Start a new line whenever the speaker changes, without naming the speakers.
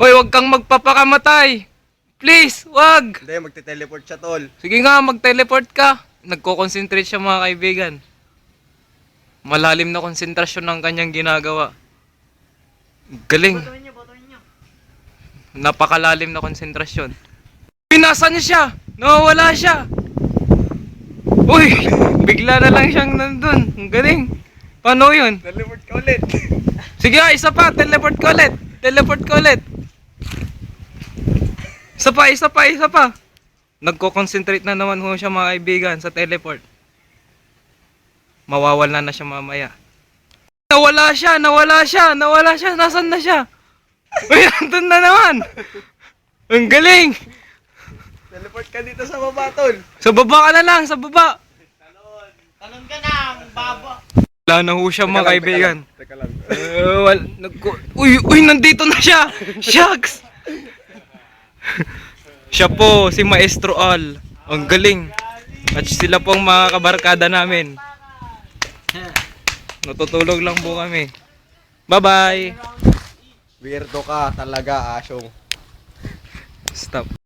Hoy, wag kang magpapakamatay. Please, wag.
Hindi, magte-teleport siya, tol.
Sige nga, mag-teleport ka. Nagko-concentrate siya mga kaibigan. Malalim na konsentrasyon ng kanyang ginagawa. Galing. Napakalalim na konsentrasyon. Pinasa niya siya. Nawawala siya. Uy, bigla na lang siyang nandun. Ang galing. Paano yun?
Teleport ka ulit.
Sige nga, isa pa. Teleport ko ulit. Teleport ko ulit. Isa pa. Nagko-concentrate na naman ho siya mga kaibigan sa teleport. Mawawala na siya mamaya. Nawala siya. Nasaan na siya? Uy, nandun na naman. Ang galing.
Teleport ka dito sa baba, tol.
Sa baba ka na lang, sa baba.
Talon ka na, baba.
Wala na ho siya mga kaibigan.
Teka lang.
Uy, nandito na siya. Shucks. Siya po, si Maestro Al. Ang galing. At sila pong mga kabarkada namin. Natutulog lang po kami. Bye-bye.
Weirdo ka talaga, Asyong.
Stop.